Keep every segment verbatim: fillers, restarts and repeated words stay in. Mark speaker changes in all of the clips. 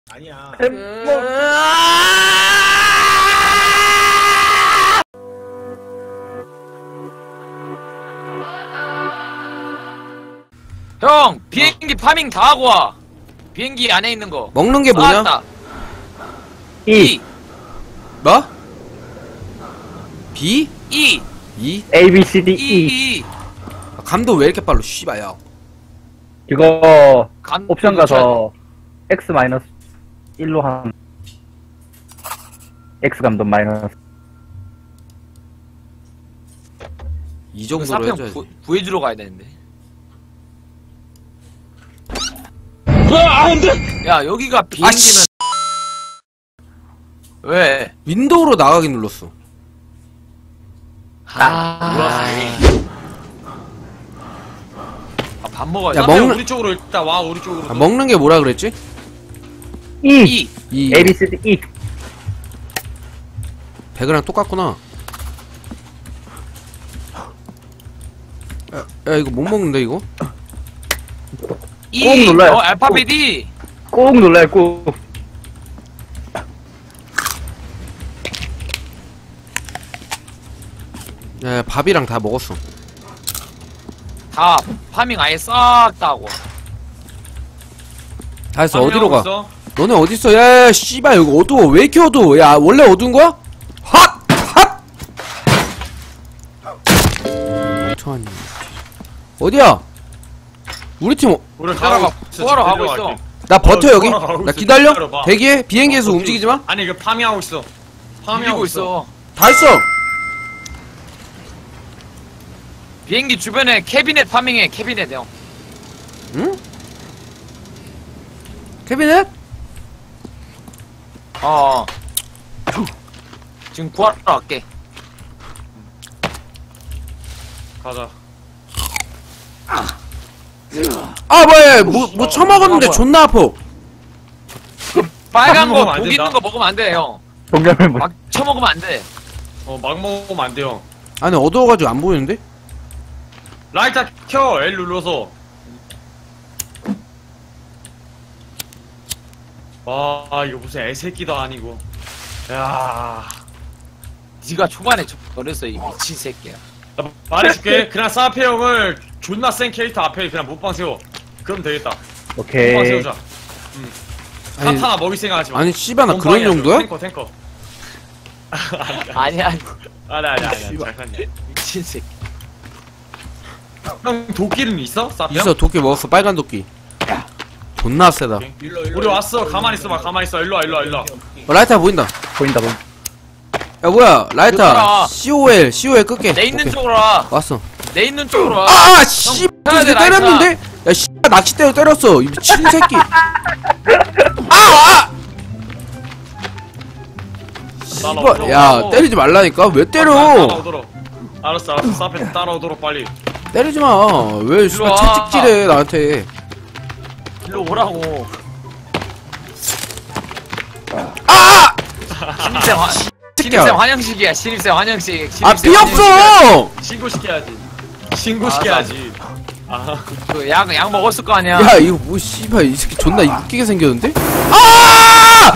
Speaker 1: 아니야.
Speaker 2: 형 비행기 파밍 다 하고 와. 비행기 안에 있는 거
Speaker 3: 먹는 게 뭐냐?
Speaker 2: 다
Speaker 4: E,
Speaker 3: 뭐? B?
Speaker 2: E
Speaker 3: E?
Speaker 4: A, B, C, D,
Speaker 2: E
Speaker 4: E.
Speaker 2: E
Speaker 3: 아, 감도 왜 이렇게 빨라 씨발야.
Speaker 4: 이거
Speaker 2: 감-
Speaker 4: 옵션 가서 X 마이너스 일로 한 X 감도 마이너스.
Speaker 3: 이
Speaker 2: 이거
Speaker 3: 정도로
Speaker 2: 사평
Speaker 3: 해줘야지.
Speaker 2: 구- 구해주러 가야 되는데. 야 여기가 비행기는 왜?
Speaker 3: 윈도우로 나가기 눌렀어.
Speaker 2: 아, 아, 밥 먹어야
Speaker 3: 야,
Speaker 2: 돼.
Speaker 3: 먹는-
Speaker 1: 우리 쪽으로 일단 와. 우리 쪽으로.
Speaker 3: 아, 먹는 게 뭐라 그랬지?
Speaker 4: E,
Speaker 2: E
Speaker 3: 이
Speaker 4: A, B, C, D, E.
Speaker 3: 배그랑 똑같구나. 야, 야 이거 못 먹는데 이거?
Speaker 2: E
Speaker 4: 꼭 눌러요.
Speaker 2: 어 알파벳 E.
Speaker 4: 꼭 눌러요, 꼭.
Speaker 3: 야, 야 밥이랑 다 먹었어.
Speaker 2: 다 파밍 아예 싹 다 하고.
Speaker 3: 다 했어. 어디로 가?
Speaker 1: 있어?
Speaker 3: 너네 어딨어? 야, 야 씨발 여기 어두워. 왜 이렇게 어두워? 야 원래 어두운 거야? 핫! 핫! 천천히. 어디야? 우리 팀 어-
Speaker 1: 우리
Speaker 2: 따라가.
Speaker 1: 가고 있어.
Speaker 2: 구하러
Speaker 1: 지금
Speaker 2: 가고 있어.
Speaker 1: 내려갈게.
Speaker 3: 나 버텨
Speaker 1: 어,
Speaker 3: 여기.
Speaker 1: 돌아가고
Speaker 3: 나
Speaker 1: 있어.
Speaker 3: 기다려.
Speaker 1: 기다려봐.
Speaker 3: 대기해. 비행기에서
Speaker 1: 어,
Speaker 3: 움직이지 마.
Speaker 1: 아니 이거 파밍하고 있어. 파밍하고
Speaker 2: 밀리고
Speaker 1: 있어.
Speaker 2: 있어.
Speaker 3: 다 했어.
Speaker 2: 비행기 주변에 캐비넷 파밍해. 캐비넷 형.
Speaker 3: 응? 캐비넷?
Speaker 2: 어. 지금 구하러 갈게.
Speaker 1: 가자.
Speaker 3: 아 뭐야? 뭐뭐 처먹었는데
Speaker 2: 아, 뭐야.
Speaker 3: 존나 아파.
Speaker 2: 빨간
Speaker 1: 먹으면
Speaker 2: 거
Speaker 1: 안
Speaker 2: 독
Speaker 1: 된다.
Speaker 2: 있는 거 먹으면 안 돼 형.
Speaker 4: 동점을 못.
Speaker 2: 막 처먹으면 안 돼.
Speaker 1: 어, 막 먹으면 안 돼요.
Speaker 3: 아니 어두워가지고 안 보이는데?
Speaker 1: 라이터 켜. L 눌러서. 와, 이거 무슨 애새끼도 아니고. 야,
Speaker 2: 네가 초반에 저랬어 이 미친 새끼야.
Speaker 1: 나 말해줄게. 그냥 사페 형을 존나 센 캐릭터 앞에 그냥 못방 세워. 그럼 되겠다. 못방
Speaker 4: 오케이.
Speaker 1: 세우자.
Speaker 3: 아니,
Speaker 1: 카타나 먹일 생각하지 마.
Speaker 3: 아니 씨발 나 그런
Speaker 1: 몸빵이야,
Speaker 3: 정도야?
Speaker 1: 탱커, 탱커.
Speaker 2: 아니야
Speaker 1: 아니, 아니, 아니. 잘 컸네.
Speaker 2: 미친 새끼.
Speaker 1: 형, 도끼는 있어? 사페 형?
Speaker 3: 있어. 도끼 먹었어. 빨간 도끼. 존나 세다.
Speaker 1: 오케이. 우리 왔어. 가만히 있어봐. 가만히 있어. 일로 와, 일로 와, 일로 와.
Speaker 3: 어, 라이터 보인다.
Speaker 4: 보인다, 보인다.
Speaker 3: 야 뭐야? 라이터.
Speaker 2: 따라와.
Speaker 3: 씨오엘. 씨오엘 끌게.
Speaker 2: 내 있는
Speaker 3: 오케이.
Speaker 2: 쪽으로 와.
Speaker 3: 왔어.
Speaker 2: 내 있는 쪽으로 와.
Speaker 3: 아, 아, 씨,
Speaker 2: 해야 돼,
Speaker 3: 때렸는데? 야, 씨, 낚싯대로 때렸어. 이 미친 새끼. 아, 아! 씨발, 야, 때리지 말라니까. 왜 때려?
Speaker 1: 따라오도록. 알았어, 알았어. 사페 따라오도록 빨리.
Speaker 3: 때리지 마. 왜 씨발
Speaker 2: 와.
Speaker 3: 채찍질해 나한테?
Speaker 2: 일로 오라고.
Speaker 3: 아!
Speaker 2: 신입생 화 신입생 환영식이야. 신입생 환영식.
Speaker 3: 아,
Speaker 2: 신입생
Speaker 3: 피
Speaker 2: 환영식이야.
Speaker 3: 없어.
Speaker 1: 신고시켜야지. 신고시켜야지. 아,
Speaker 2: 그 약, 약 먹었을 거 아니야.
Speaker 3: 야, 이거 뭐 씨발 이 새끼 존나 웃기게 생겼는데? 아!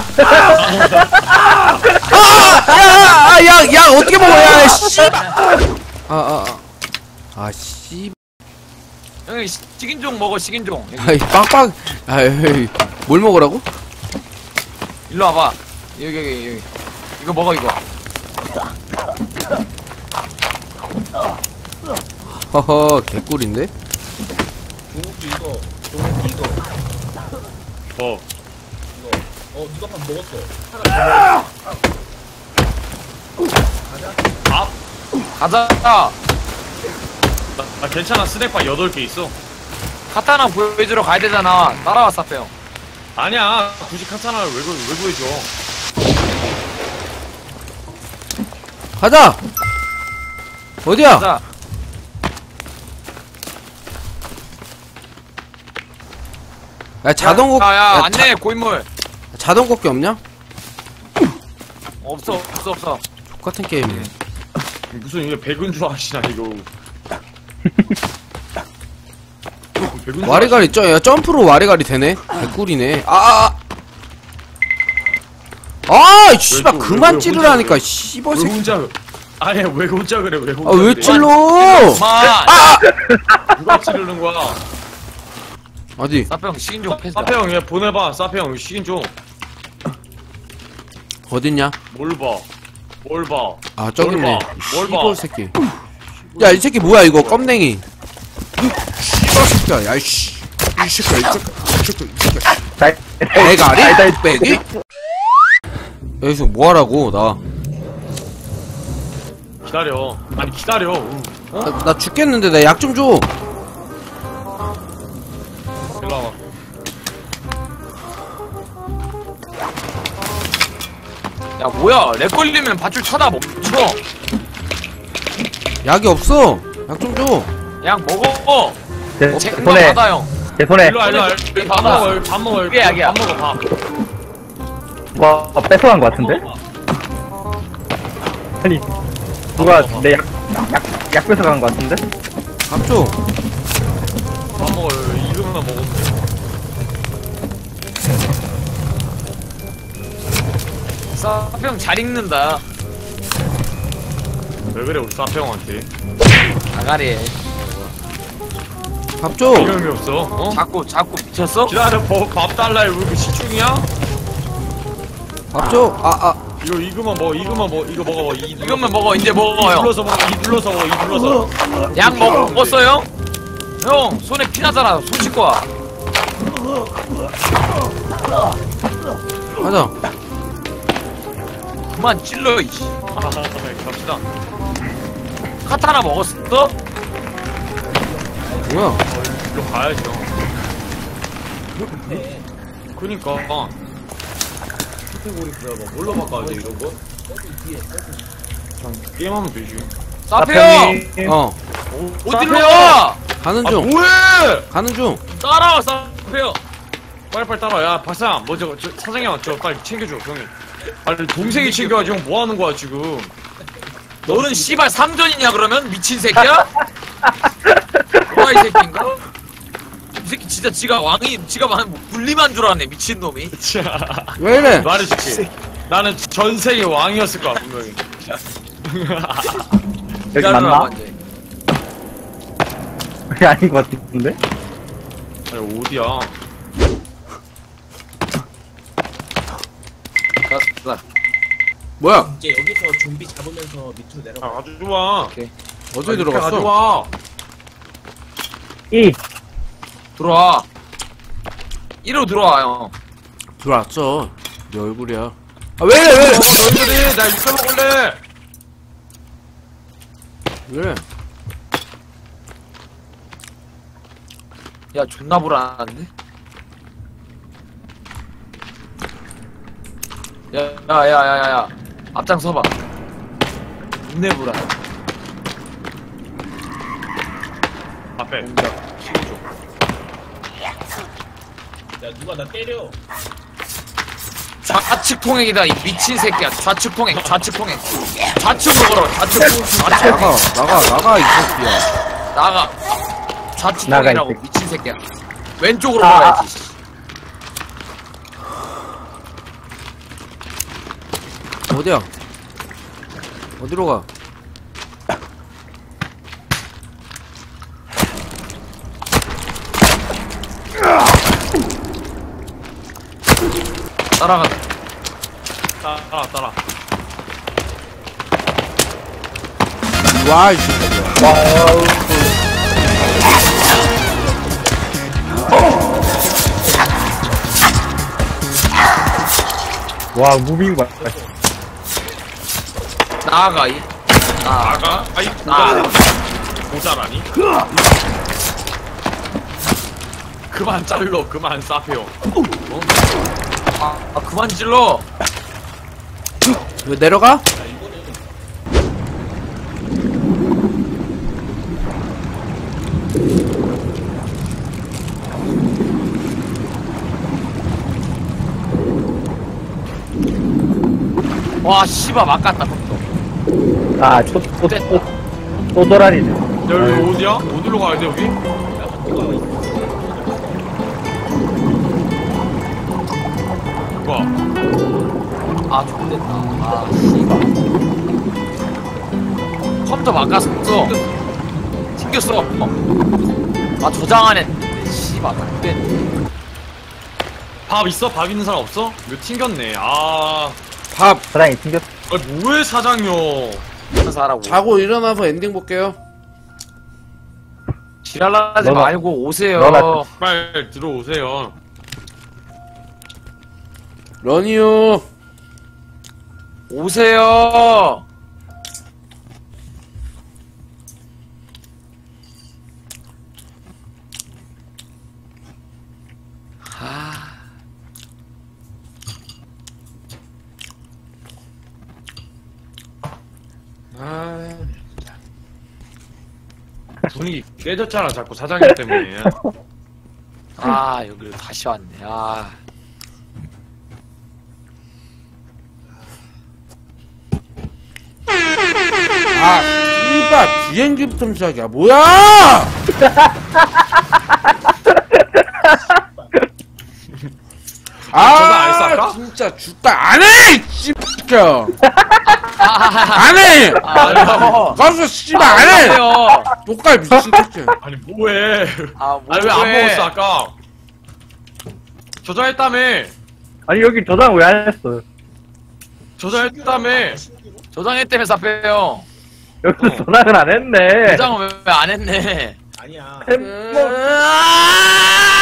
Speaker 3: 아! 야, 야, 야, 어떻게 먹어? 야, 씨발. 아, 아, 아. 아, 씨.
Speaker 2: 형이 시- 식인종 먹어. 식인종. 여기,
Speaker 3: 아이, 빵빵. 아이, 뭘 먹으라고?
Speaker 2: 일로 와봐. 여기 여기 여기. 이거 먹어 이거.
Speaker 3: 허허, 개꿀인데?
Speaker 5: 조국주 이거 조국주 이거
Speaker 1: 뭐.
Speaker 5: 어 누가 밥 먹었어.
Speaker 2: 가자.
Speaker 1: 나, 나 괜찮아. 스낵바 여덟 개 있어.
Speaker 2: 카타나 보여주러 가야 되잖아. 따라와 사페 형.
Speaker 1: 아니야. 굳이 카타나를 왜, 구- 왜 구해줘.
Speaker 3: 가자! 어디야?
Speaker 2: 가자.
Speaker 3: 야, 자동곡,
Speaker 2: 야, 야,
Speaker 3: 야,
Speaker 2: 안내 고인물.
Speaker 3: 자, 자동곡기 없냐?
Speaker 2: 없어 없어 없어.
Speaker 3: 똑같은 게임이네.
Speaker 1: 무슨 이게 백은 줄 아시나, 이거. 백은 줄
Speaker 3: 와리가리, 쩌, 야, 점프로 와리가리 되네? 개꿀이네. 아, 아, 아 씨발
Speaker 1: 왜, 왜,
Speaker 3: 그만
Speaker 1: 왜
Speaker 3: 찌르라니까
Speaker 1: 혼자
Speaker 3: 씨발
Speaker 1: 왜
Speaker 3: 새끼.
Speaker 1: 혼자 아니 왜 혼자 그래 왜 혼자
Speaker 3: 아 왜
Speaker 1: 그래?
Speaker 3: 찔러?
Speaker 2: 마
Speaker 1: 누가 찌르는 거야?
Speaker 3: 어디?
Speaker 2: 사페형 시인 좀 패스.
Speaker 1: 사페 형 얘 보내봐. 사페 형 시인 좀.
Speaker 3: 어딨냐?
Speaker 1: 뭘 봐? 뭘 봐?
Speaker 3: 아 저기 있네.
Speaker 1: 뭘 봐? 뭘 봐?
Speaker 3: 씨발 새끼. 야 이 새끼 뭐야 이거 껌냉이. 씨발 새끼야. 야이씨. 이 새끼야 이 새끼야 이 새끼야 이 새끼야.
Speaker 4: 달,
Speaker 3: 대가리?
Speaker 4: 달, 달,
Speaker 3: 빼기? 여기서 뭐하라고 나.
Speaker 1: 기다려. 아니 기다려. 응.
Speaker 3: 나, 나 죽겠는데 나 약 좀 줘.
Speaker 1: 일로 와봐.
Speaker 2: 야 뭐야? 렉 걸리면 밧줄 쳐다 멈춰.
Speaker 3: 약이 없어. 약 좀 줘.
Speaker 2: 약 먹어.
Speaker 4: 제
Speaker 2: 제
Speaker 4: 손에,
Speaker 2: 받아 형.
Speaker 4: 제 손에.
Speaker 1: 일로 와 일로 와.
Speaker 2: 손에
Speaker 1: 밥
Speaker 2: 받아.
Speaker 1: 먹어. 밥 먹어.
Speaker 2: 그게 약이야.
Speaker 1: 밥 먹어 밥.
Speaker 4: 와, 뺏어간 것 같은데? 아니, 누가 내 약, 약, 약 뺏어간 것 같은데?
Speaker 3: 밥 줘.
Speaker 1: 밥 먹어. 이거만 먹으면 돼.
Speaker 2: 사페형 잘 읽는다.
Speaker 1: 왜 그래 우리 사페 형한테?
Speaker 2: 아가리.
Speaker 3: 밥 줘.
Speaker 1: 이름이 없어. 어?
Speaker 2: 자꾸 자꾸 미쳤어?
Speaker 1: 기다려. 뭐, 밥 달라. 왜 이렇게 시중이야?
Speaker 3: 밥 줘. 아 아.
Speaker 1: 이거 이거만 먹어. 이거만 먹어. 이거 먹어. 이
Speaker 2: 이것만 먹어. 이제 먹어 형.
Speaker 1: 눌러서 먹어. 이 눌러서 먹어. 이 눌러서.
Speaker 2: 약 먹었어요? 형 손에 피 나잖아. 손 씻고 와.
Speaker 3: 가자.
Speaker 2: 그만 찔러 이씨.
Speaker 1: 아, 갑시다.
Speaker 2: 카타나 먹었어?
Speaker 3: 뭐야?
Speaker 1: 일로 가야죠. 그니까. 카테고리 뭐야? 뭘로 바꿔야 돼 이런 거? 그냥 게임하면 되지.
Speaker 2: 사페형
Speaker 3: 어.
Speaker 2: 어디로 와?
Speaker 3: 가는
Speaker 1: 아
Speaker 3: 중.
Speaker 1: 뭐해?
Speaker 3: 가는 중.
Speaker 2: 따라와 사페형.
Speaker 1: 빨리빨리 따라와. 야 박사 먼저 저 사장님 저 빨리 챙겨줘 형이. 아니 동생이 챙겨야지 형 뭐하는 거야 지금.
Speaker 2: 너는 씨발 상전이냐 그러면 미친 새끼야? 뭐야 이 새끼인가? 이 새끼 진짜 지가 왕이 지가 왕 분리만 줄 알았네 미친 놈이.
Speaker 3: 왜 이래?
Speaker 1: 말해줄게. 나는 전 세계 왕이었을 거야 분명히.
Speaker 4: 여기 맞나?
Speaker 2: 완전.
Speaker 4: 여기 아닌 것 같은데?
Speaker 1: 아니 어디야?
Speaker 2: 나, 나.
Speaker 3: 뭐야?
Speaker 5: 이제 여기서 좀비 잡으면서 밑으로 내려가.
Speaker 1: 아, 아주 좋아.
Speaker 3: 어디 들어갔어?
Speaker 1: 좋아.
Speaker 4: 이,
Speaker 2: 들어와. 이리로 들어와 형.
Speaker 3: 들어왔어. 네 얼굴이야. 아 왜 이래 왜 이래?
Speaker 1: 어, 너희들이 나 이거 먹을래.
Speaker 3: 왜 이래?
Speaker 2: 야 존나 불안한데? 야야야야야 앞장 서봐. 인내 불안.
Speaker 1: 앞에.
Speaker 5: 야 누가 나 때려.
Speaker 2: 좌측 통행이다 이 미친 새끼야. 좌측 통행 좌측 통행. 좌측으로 걸어 좌측 좌측.
Speaker 3: 나가 나가 나가 이 새끼야.
Speaker 2: 나가. 좌측
Speaker 4: 나가, 이
Speaker 2: 통행이라고
Speaker 4: 새끼.
Speaker 2: 미친 새끼야. 왼쪽으로
Speaker 4: 아,
Speaker 2: 걸어야지.
Speaker 3: 어디야? 어디로 가?
Speaker 2: 따라간다.
Speaker 1: 따라 따라.
Speaker 3: 와 이 새끼야.
Speaker 4: 와, 무빙 봐.
Speaker 2: 나아가 이. 나.
Speaker 1: 나가? 아이
Speaker 2: 나.
Speaker 1: 모자라니? 그만 잘러. 그만 싸페요.
Speaker 2: 아, 아 그만 질러.
Speaker 3: 왜 내려가?
Speaker 2: 와 씨발 막갔다 또.
Speaker 4: 아, 또, 또, 또, 또 도라리네.
Speaker 1: 야 여기 어디야? 어디로 가야 돼 여기? 뭐야?
Speaker 2: 아 좋됐다. 아 씨발. 컴퓨터 바꿨어. 튕겼어. 어. 아 저장 안 했는데 씨발 좋됐네.
Speaker 1: 밥 있어? 밥 있는 사람 없어? 이거 튕겼네. 아,
Speaker 3: 밥
Speaker 4: 사장이 튕겼어.
Speaker 1: 아 뭐해 사장요?
Speaker 2: 하면서 하라고.
Speaker 3: 자고 일어나서 엔딩 볼게요.
Speaker 2: 지랄하지
Speaker 4: 너나-
Speaker 2: 말고 오세요.
Speaker 4: 너나-
Speaker 1: 빨리 들어오세요.
Speaker 3: 러니요.
Speaker 2: 오세요. 아.
Speaker 3: 아,
Speaker 1: 분위기 깨졌잖아 자꾸 사장님 때문에.
Speaker 2: 아 여기로 다시 왔네. 아.
Speaker 3: 아, 씨발 비행기부터 시작이야. 뭐야?
Speaker 1: 저거 안 쌀까?
Speaker 3: 아, 진짜 죽다 안 해. 씨발. 안 해.
Speaker 2: 아,
Speaker 3: 가서 씨발 안 해.
Speaker 2: 요
Speaker 3: 똑갈 미친 새끼.
Speaker 1: 아니 뭐해?
Speaker 2: 아,
Speaker 1: 아니 왜 안
Speaker 2: 뭐해.
Speaker 1: 먹었어 아까? 저장했다며.
Speaker 4: 아니, 여기 저장 왜 안 했어?
Speaker 1: 저장했다며.
Speaker 2: 저장했다면서 빼요.
Speaker 4: 여기
Speaker 1: 어.
Speaker 4: 저장을 안 했네.
Speaker 2: 저장은 왜 안 했네.
Speaker 5: 아니야.
Speaker 4: 햄- 뭐,
Speaker 2: 아!